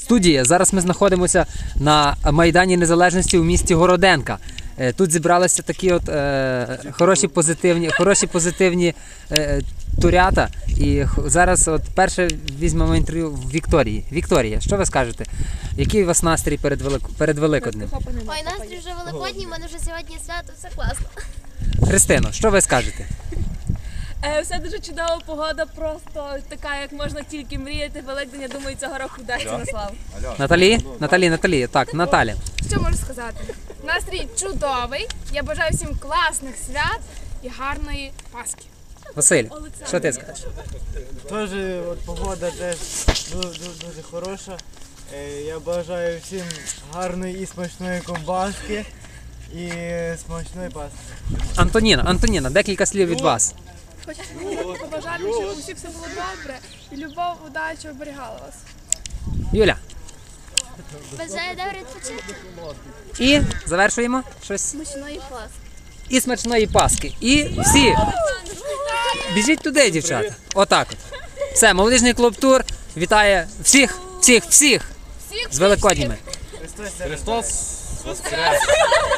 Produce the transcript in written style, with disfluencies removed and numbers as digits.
студія. Зараз ми знаходимося на Майдані Незалежності у місті Городенка. Тут зібралися такі от хороші позитивні турята. І зараз от перше візьмемо інтерв'ю в Вікторії. Вікторія, що ви скажете? Який у вас настрій перед Великоднем? Ой, настрій вже Великодній, у мене вже сьогодні свято, все класно. Христино, що ви скажете? Все дуже чудова погода, просто така, як можна тільки мріяти. Великдень, я думаю, цього року вдасться на славу. Наталі, так, Наталя. Що можу сказати? Настрій чудовий. Я бажаю всім класних свят і гарної Пасхи. Василь, що ти скажеш? Теж погода теж дуже хороша. Я бажаю всім гарної і смачної ковбаски і смачної Пасхи. Антоніна, декілька слів від вас. Хочу побажати, щоб у всіх все було добре і любов, удача оберігала вас. Юля. Бажаю добре відпочити. І завершуємо щось. Смачної Пасхи. І смачної Пасхи. І всі. Біжіть туди, дівчата. Отак от. Все, молодіжний клуб Тур вітає всіх з Великодніми. Христос воскрес!